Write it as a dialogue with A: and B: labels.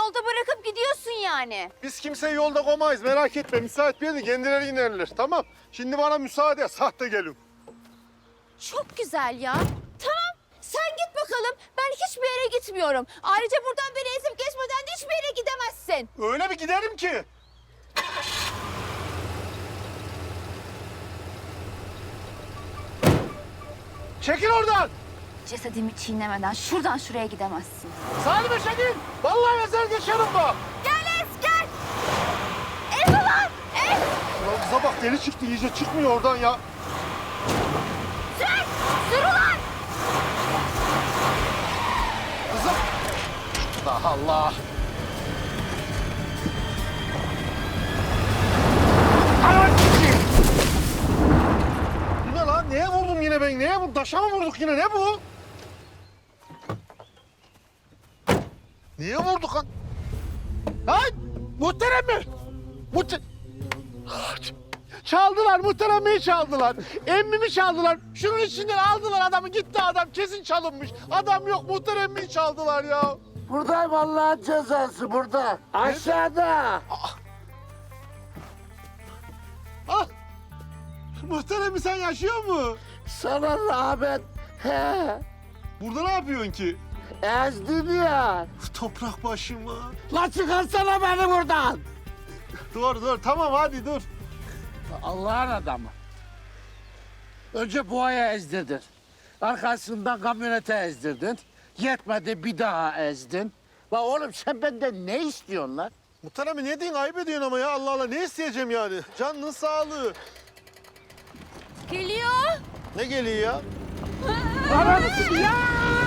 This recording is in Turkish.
A: yolda bırakıp gidiyorsun yani.
B: Biz kimseyi yolda koymayız, merak etme. Müsait bir yerde kendileri inerler, tamam. Şimdi bana müsaade, sahte gelin.
A: Çok güzel ya. Tamam, sen git bakalım. Ben hiçbir yere gitmiyorum. Ayrıca buradan beni ezip geçmeden de hiçbir yere gidemezsin.
B: Öyle bir giderim ki. Çekil oradan.
A: Cesedimi çiğnemeden şuradan şuraya gidemezsin.
B: Salime çekil. Vallahi ezer geçerim bak.
A: Gel Ez, gel. Ez ulan, Ez.
B: Ulan kıza bak, deli çıktı iyice, çıkmıyor oradan ya.
A: Sür, sür ulan.
B: Kızım. Allah Allah. Bu ne lan? Neye vurdum yine ben? Neye vurdum? Taşa mı vurduk yine? Ne bu? Niye vurduk lan? Lan! Muhterem mi? Çaldılar, muhteremi çaldılar. Emmimi çaldılar. Şunun içinden aldılar adamı, gitti adam. Kesin çalınmış. Adam yok, muhteremi çaldılar ya.
C: Buradayım, Allah'ın cezası burada. Aşağıda.
B: Ah! Muhteremi sen yaşıyor mu?
C: Sana rağmen he.
B: Burada ne yapıyorsun ki?
C: Ezdin ya.
B: Toprak başıma.
C: La çıkarsana beni buradan.
B: Dur, tamam hadi dur.
C: Allah'ın adamı. Önce boğaya ezdirdin. Arkasından kamyonete ezdirdin. Yetmedi, bir daha ezdin. La oğlum sen benden ne istiyorsun lan?
B: Muhteremi ne diyorsun? Ayıp ediyorsun ama ya. Allah Allah, ne isteyeceğim yani? Canının sağlığı.
A: Geliyor.
B: Ne geliyor ya?
C: Ananı ya!